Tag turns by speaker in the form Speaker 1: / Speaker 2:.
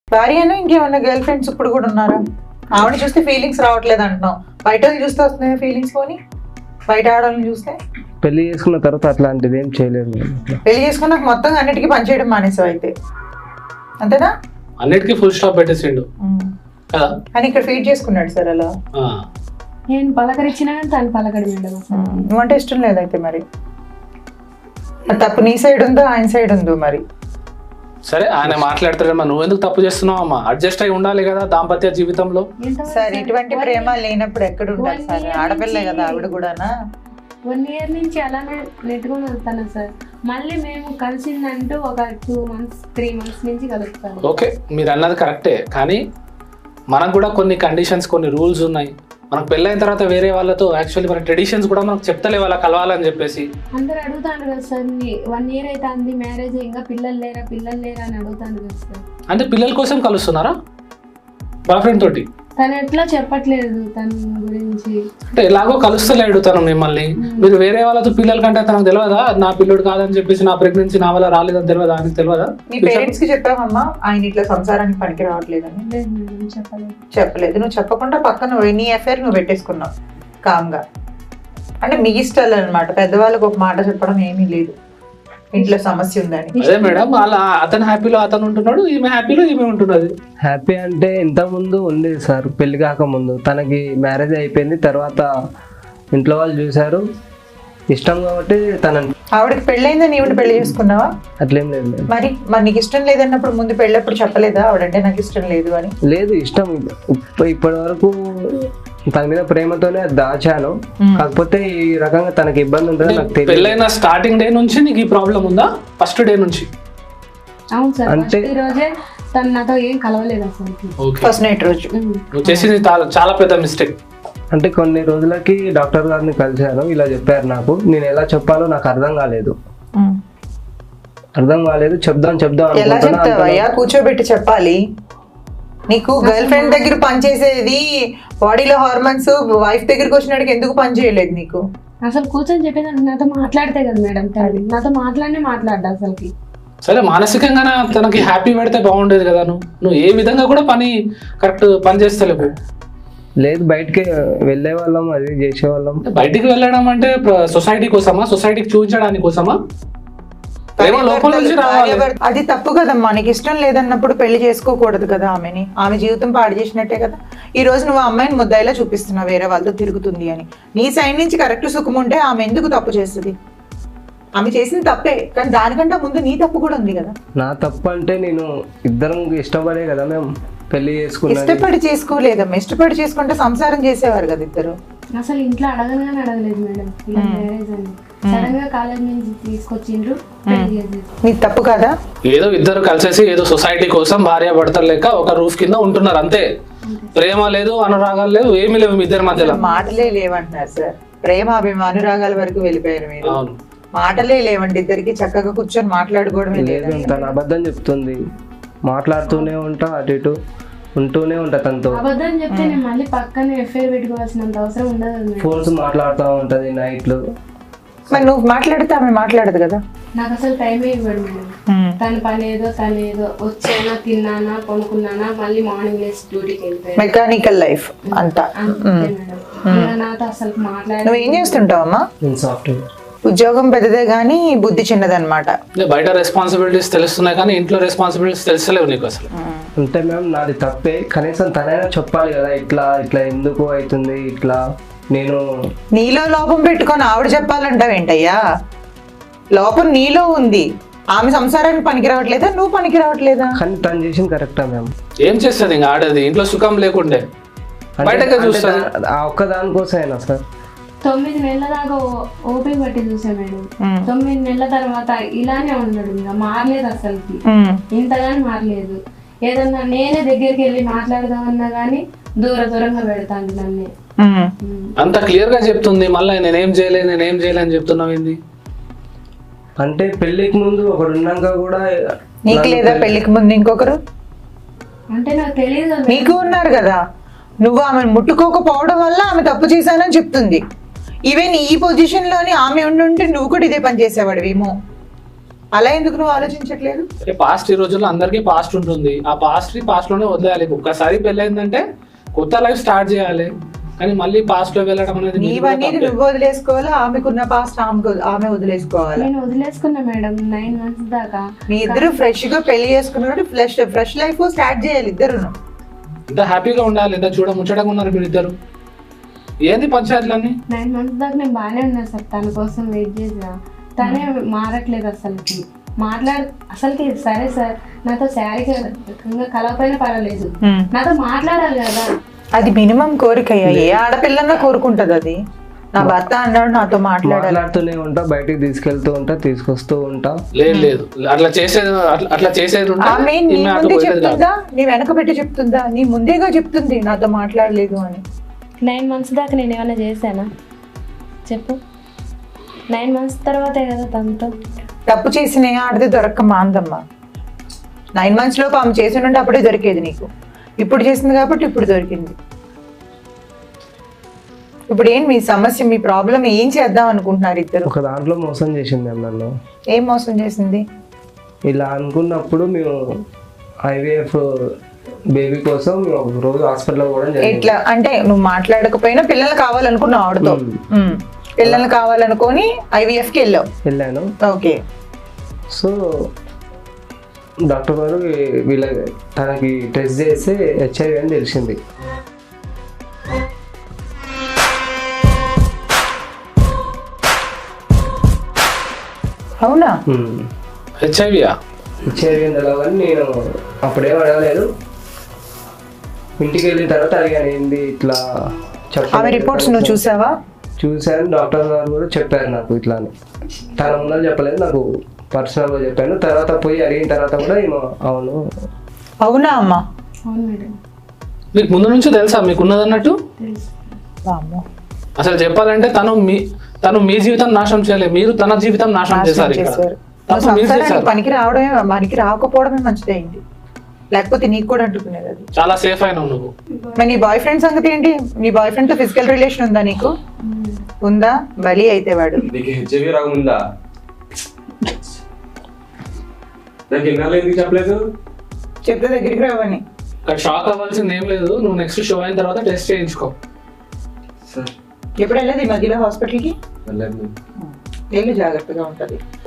Speaker 1: భార్యను ఇంకేమన్నా girl friends ఇప్పుడు కూడా ఉన్నారా? ఆవిడ చూస్తే ఫీలింగ్స్ రావట్లేదు అంటున్నావు, బయట చూస్తే వస్తున్నాయి ఫీలింగ్స్. పోనీ బయట ఆడవాళ్ళని చూస్తే
Speaker 2: పెళ్లి చేసుకున్న తర్వాత అట్లాంటిది ఏం చేయలేదు.
Speaker 1: పెళ్లి చేసుకున్నాక మొత్తం అన్నిటికీ పనిచేయడం మానేసావు అయితే, అంతేనా?
Speaker 3: అన్నిటికీ ఫుల్ స్టాప్ పెట్టేసిండు కదా.
Speaker 1: కానీ ఇక్కడ ఫీడ్ చేసుకున్నాడు సార్ అలా.
Speaker 4: నేను పలకరించినా కానీ తను పలకడు మేడం.
Speaker 1: నువ్వంటే ఇష్టం లేదైతే మరి తప్పు నీ సైడ్ ఉందో ఆయన సైడ్ ఉందో మరి.
Speaker 3: సరే ఆయన మాట్లాడతాడమ్మా, నువ్వు ఎందుకు తప్పు చేస్తున్నావు అమ్మా? అడ్జస్ట్ అయి ఉండాలి కదా దాంపత్య జీవితంలో.
Speaker 1: సార్ ఇటువంటి ప్రేమ లేనప్పుడు ఎక్కడ ఉంటారు సార్? ఆడపిల్లే కదా ఆవిడ కూడానా.
Speaker 4: 1 year నుంచి అలానే నెట్టుకొని వెళ్తాను సార్. మళ్ళీ మేము కలిసిందంటూ ఒక 2 months 3 months నుంచి కలుస్తాను.
Speaker 3: ఓకే, మీరు అన్నది కరెక్టే, కానీ మనకు కూడా కొన్ని కండిషన్స్ కొన్ని రూల్స్ ఉన్నాయి. మనకు పెళ్ళైన తర్వాత వేరే వాళ్ళతో యాక్చువల్లీ మన ట్రెడిషన్స్ కూడా మనకు చెప్తలే వాళ్ళ కలవాలని చెప్పేసి.
Speaker 4: అందరు అడుగుతాను కదా సార్, 1 year అయితే అంది మ్యారేజ్, ఇంకా పిల్లలు లేరా అని అడుగుతాను కదా సార్.
Speaker 3: అంటే పిల్లల కోసం కలుస్తున్నారా బాయ్ ఫ్రెండ్ తోటి?
Speaker 4: తను ఎట్లా చెప్పట్లేదు తన గురించి.
Speaker 3: అంటే ఎలాగో కలుస్తలేడు తను మిమ్మల్ని. మీరు వేరే వాళ్ళతో పిల్లల కంటే తనకు తెలియదా నా పిల్లడు కాదని చెప్పేసి, నా ప్రెగ్నెన్సీ నా వల్ల రాలేదని తెలియదా? ఆయనకు తెలియదా?
Speaker 1: మీ పేరెంట్స్ కి చెప్పావమ్మా ఆయన ఇట్లా సంసారానికి పనికి రావట్లేదని? చెప్పలేదు. నువ్వు చెప్పకుండా పక్కన నీ అఫైర్ నువ్వు పెట్టేసుకున్నావు కామ్గా. అంటే మీ ఇష్టాలు అనమాట, పెద్దవాళ్ళకి ఒక మాట చెప్పడం ఏమీ లేదు, ఇంట్లో సమస్య ఉందని.
Speaker 3: అదే మేడం, అలా అతను హ్యాపీలో అతను ఉంటున్నాడు, ఈమె హ్యాపీలో ఈమె ఉంటున్నది.
Speaker 2: హ్యాపీ అంటే ఇంత ముందు ఉంది సార్, పెళ్లి కాకముందు. తనకి మ్యారేజ్ అయిపోయింది, తర్వాత ఇంట్లో వాళ్ళు చూశారు, ఇష్టం కాబట్టి
Speaker 1: ఆవిడకి పెళ్ళైందని ఈవిడ పెళ్లి చేసుకున్నావా?
Speaker 2: అట్లేం లేదు.
Speaker 1: మరి నీకు ఇష్టం లేదన్నప్పుడు ముందు పెళ్ళప్పుడు చెప్పలేదా ఆవిడంటే నాకు ఇష్టం లేదు అని?
Speaker 2: లేదు, ఇష్టం. ఇప్పటి వరకు తన మీద ప్రేమతోనే దాచాను, కాకపోతే ఈ రకంగా తనకి ఇబ్బంది ఉంటుందని నాకు తెలియదు.
Speaker 3: పెళ్ళైన స్టార్టింగ్ డే నుంచి నీకు ఈ ప్రాబ్లం ఉందా? ఫస్ట్ డే నుంచి?
Speaker 4: అవును సార్, అంటే ఈ రోజే తను నాతో ఏం కలవలేదు అసలు.
Speaker 1: ఫస్ట్ నైట్ రోజు
Speaker 3: నువ్వు చేసింది చాలా పెద్ద మిస్టేక్.
Speaker 2: అంటే కొన్ని రోజులకి డాక్టర్ గారిని కలిశాను, ఇలా చెప్పారు నాకు. నేను ఎలా చెప్పాలో నాకు అర్థం కాలేదు. చెప్దాం
Speaker 1: ఎలా చెప్తావయ్యా? కూర్చోబెట్టి చెప్పాలి. నీకు గర్ల్ ఫ్రెండ్ దగ్గర పనిచేసేది బాడీలో హార్మోన్స్, వైఫ్ దగ్గరికి వచ్చినట్టుగా ఎందుకు పని చేయలేదు నీకు?
Speaker 4: అసలు కూర్చొని చెప్పేది నాతో మాట్లాడితే కదా మేడం, నాతో మాట్లాడ్డా అసలుకి.
Speaker 3: సరే, మానసికంగా తనకి హ్యాపీ పెడితే బాగుండేది కదా. నువ్వు ఏ విధంగా కూడా కరెక్ట్ పని చేస్తలేవు.
Speaker 2: లేదు, బయటికి వెళ్ళే వాళ్ళం, అది చేసేవాళ్ళం.
Speaker 3: బయటికి వెళ్ళడం అంటే సొసైటీ కోసమా? సొసైటీకి చూపించడానికి కోసమా?
Speaker 1: అది తప్పు కదమ్మా. నీకు ఇష్టం లేదన్నప్పుడు పెళ్లి చేసుకోకూడదు కదా ఆమెని. ఆమె జీవితం పాడు చేసినట్టే కదా. ఈ రోజు నువ్వు అమ్మాయిని ముద్దాయిలా చూపిస్తున్నావు వేరే వాళ్ళతో తిరుగుతుంది అని. నీ సైడ్ నుంచి కరెక్ట్ సుఖం ఉంటే ఆమె ఎందుకు తప్పు చేస్తుంది? ఆమె చేసింది తప్పే, కానీ దానికంటే ముందు నీ తప్పు కూడా ఉంది కదా.
Speaker 2: నా తప్పు అంటే నేను ఇద్దరం ఇష్టపడే కదా మేము పెళ్లి చేసుకున్నాం.
Speaker 1: ఇష్టపడి చేసుకోలేదమ్మా, ఇష్టపడి చేసుకుంటే సంసారం చేసేవారు కదా ఇద్దరు.
Speaker 4: అసలు ఇంట్లో అడగలేదు మేడం మ్యారేజ్ అని. సడన్ గా కాలేజ్ నుంచి తీసుకొచ్చిండ్రు.
Speaker 1: నీకు తప్పు కదా?
Speaker 3: ఏదో ఇద్దరు కలిసేసి ఏదో సొసైటీ కోసం భార్య భర్తలు లెక్క ఒక రూఫ్ కింద ఉంటున్నారు అంతే. ప్రేమ లేదు, అనురాగాలు లేవు, ఏమీ లేవు మీ ఇద్దరి మధ్యలో.
Speaker 1: మాటలే లేవంటున్నారు సార్. ప్రేమ అనురాగాల వరకు వెళ్ళిపోయారు మీరు. మాటలే లేవండి ఇద్దరికి, చక్కగా కూర్చొని మాట్లాడుకోవడమే లేదు.
Speaker 2: తను అబద్ధం చెప్తుంది, మాట్లాడుతూనే ఉంటా, అటు ఇటు ఉంటూనే ఉంటా తనతో.
Speaker 4: అబద్ధం చెప్తే నేను మళ్ళీ పక్కనే ఎఫ్ఐఆర్ పెట్టుకోవాల్సినంత అవసరం ఉండదు.
Speaker 2: ఫోన్స్ మాట్లాడుతూ ఉంటది నైట్లు.
Speaker 1: మరి నువ్వు మాట్లాడితే ఆమె మాట్లాడదు కదా.
Speaker 4: నాకు అసలు టైమే ఇవ్వడు మేడం. తన పని ఏదో వచ్చానా, తిన్నానా, కొనుక్కున్నానా, మళ్ళీ మార్నింగ్ లేసి డ్యూటీకి వెళ్ళిపోయి
Speaker 1: మెకానికల్ లైఫ్ అంతా.
Speaker 4: నాతో అసలు మాట్లాడ.
Speaker 1: నువ్వు ఏం చేస్తుంటావమ్మా?
Speaker 2: సాఫ్ట్వేర్.
Speaker 1: ఉద్యోగం పెద్దదే కానీ బుద్ధి చిన్నదన్నమాట.
Speaker 3: బయట రెస్పాన్సిబిలిటీస్ తెలుస్తున్నాయి కానీ ఇంట్లో రెస్పాన్సిబిలిటీస్ తెలుస్తలేవు నీకు అసలు.
Speaker 2: అంటే మ్యామ్ నాది తప్పే, కనీసం తనైనా చెప్పాలి కదా, ఇట్లా ఎందుకు అవుతుంది ఇట్లా. నేను
Speaker 1: నీలో లోపం పెట్టుకొని ఆవిడ చెప్పాలంటావేంటయ్యా? లోపం నీలో ఉంది. ఆమె సంసారానికి పనికి రావట్లేదా, నువ్వు పనికి రావట్లేదా?
Speaker 2: కానీ తను చేసింది కరెక్టా మ్యామ్?
Speaker 3: ఏం చేస్తుంది ఇంకా ఆడది? ఇంట్లో సుఖం లేకుండే బయటగా చూస్తుంది.
Speaker 2: ఆ ఒక్క దానికోసమైనా సార్
Speaker 4: 9 నెలల దాకా ఓపిక పట్టి చూసా మేడం. 9 నెలల తర్వాత ఇలానే ఉన్నాడు, ఇంకా మారలేదు అసలుకి, ఇంతగాని మారలేదు. ఏదన్నా నేనే దగ్గరికి వెళ్ళి మాట్లాడదామన్నా గానీ దూరంగా పెడతాను నన్ను.
Speaker 3: అంత క్లియర్ గా చెప్తుంది, మళ్ళీ నేనేం చేయలేదు అని చెప్తున్నావు ఏంది?
Speaker 2: అంటే పెళ్లికి ముందు ఒకడు ఉన్నాక కూడా
Speaker 1: నీకు లేదా? పెళ్లికి ముందు ఇంకొకరు
Speaker 4: అంటే నాకు తెలియదు.
Speaker 1: నీకు ఉన్నారు కదా. నువ్వు ఆమెను ముట్టుకోకపోవడం వల్ల ఆమె తప్పు చేశానని చెప్తుంది. ఈవెన్ ఈ పొజిషన్ లోని ఆమె ఉండుంటే నువ్వు కూడా ఇదే పని చేసేవాడివేమో. అలా ఎందుకు నువ్వు ఆలోచించట్లేదు?
Speaker 3: పాస్ట్ ఈ రోజుల్లో అందరికీ పాస్ట్ ఉంటుంది. ఆ పాస్ట్ లోనే వదిలేయాలి. ఒక్కసారి పెళ్ళైందంటే కొత్త లైఫ్ స్టార్ట్ చేయాలి. కానీ మళ్ళీ పాస్ట్ లో వెళ్ళడం అనేది
Speaker 1: నీవన్నీ నువ్వు వదిలేసుకోవాలా, ఆమెకున్న పాస్ట్ ఆమె వదిలేసుకోవాలా?
Speaker 4: నేను వదిలేసుకున్నా మేడం 9 months దాకా.
Speaker 1: మీ ఇద్దరు ఫ్రెష్ గా పెళ్లి చేసుకున్నాడు, ఫ్రెష్ లైఫ్ స్టార్ట్ చేయాలి ఇద్దరు.
Speaker 3: ఎంత హ్యాపీగా ఉండాలి, ఎంత ముచ్చటగా ఉన్నారు మీరు ఇద్దరు. ఏంది పంచాయతీలన్నీ?
Speaker 4: 9 months దాకా నేను బాగానే ఉన్నా సార్, తన కోసం వెయిట్ చేసా. తనే మారట్లేదు అసలుకి, అసలుకి. సరే సార్, నాతో శారీరకంగా కలవపోయినా పర్వాలేదు, నాతో మాట్లాడాలి కదా.
Speaker 1: అది మినిమం కోరిక. ఏ ఆడపిల్లన్నా కోరుకుంటది అది. నా భర్త అన్నాడు నాతో
Speaker 2: మాట్లాడుతూనే ఉంటా, బయటికి తీసుకెళ్తూ ఉంటా, తీసుకొస్తూ ఉంటా.
Speaker 3: లేదు అట్లా చేసేది
Speaker 1: ఆమె నీ ముందే చెప్తుందా, నీ వెనక పెట్టి చెప్తుందా? నీ ముందేగా చెప్తుంది నాతో మాట్లాడలేదు అని.
Speaker 4: 9 months దాకా నేను ఏమైనా చేశానా చెప్పు? 9 months తర్వాతే కదా తనతో.
Speaker 1: తప్పు చేసిన ఆడితే దొరక్క మాందమ్మా. 9 months లోపు ఆమె చేసి ఉంటే అప్పుడే దొరికేది నీకు. ఇప్పుడు చేసింది కాబట్టి ఇప్పుడు దొరికింది. ఇప్పుడు ఏం మీ సమస్య, మీ ప్రాబ్లం ఏం చేద్దాం అనుకుంటున్నారు ఇద్దరు?
Speaker 2: ఒక దాంట్లో మోసం చేసింది నన్ను.
Speaker 1: ఏం మోసం చేసింది?
Speaker 2: ఇలా అనుకున్నప్పుడు మేము IVF బేబీ కోసం ఒక రోజు హాస్పిటల్ కూడా
Speaker 1: ఎట్లా అంటే, నువ్వు మాట్లాడకపోయినా పిల్లలు కావాలనుకున్నావు ఆవిడతో. పిల్లలు కావాలనుకొని IVF కి వెళ్ళాను. ఓకే.
Speaker 2: సో డాక్టర్ గారు తనకి టెస్ట్ చేస్తే HIV అని తెలిసింది.
Speaker 1: అవునా?
Speaker 3: HIV
Speaker 2: అని తెలవని నేను అప్పుడేం అడగలేదు. ఇంటికి వెళ్ళిన తర్వాత అడిగాను, ఏంది ఇట్లా
Speaker 1: ఆమె రిపోర్ట్స్ నువ్వు చూసావా?
Speaker 2: చూశాను. డాక్టర్ గారు కూడా చెప్పారు నాకు ఇట్లా అని. తన ముందని చెప్పలేదు, నాకు పర్సనల్గా చెప్పాను. తర్వాత పోయి అడిగిన తర్వాత కూడా ఏమో అవును.
Speaker 1: అవునా అమ్మా?
Speaker 4: అవును మేడం.
Speaker 3: మీకు ముందు నుంచి తెలుసా మీకు ఉన్నదన్నట్టు? అసలు చెప్పాలంటే తను మీ జీవితం నాశనం చేయలేదు, మీరు తన జీవితం నాశనం చేశారు.
Speaker 1: పనికి రాకపోవడమే మంచిదైంది, లేకపోతే నీకు కూడా అంటుకునేది. అది
Speaker 3: చాలా సేఫ్ అయినావు నువ్వు.
Speaker 1: మరి నీ బాయ్ ఫ్రెండ్ సంగతి ఏంటి? నీ బాయ్ ఫ్రెండ్ తో ఫిజికల్ రిలేషన్ ఉందా నీకు? ఉందా? బలి అయితే వాడు.
Speaker 2: చెప్పలేదు,
Speaker 1: చెప్తే దగ్గరికి రావని.
Speaker 3: షాక్ అవ్వాల్సింది ఏం లేదు. నువ్వు నెక్స్ట్ షో అయిన తర్వాత టెస్ట్ చేయించుకో.
Speaker 1: ఎప్పుడు వెళ్ళదు ఈ మధ్యలో హాస్పిటల్కి? వెళ్ళు, జాగ్రత్తగా ఉంటది.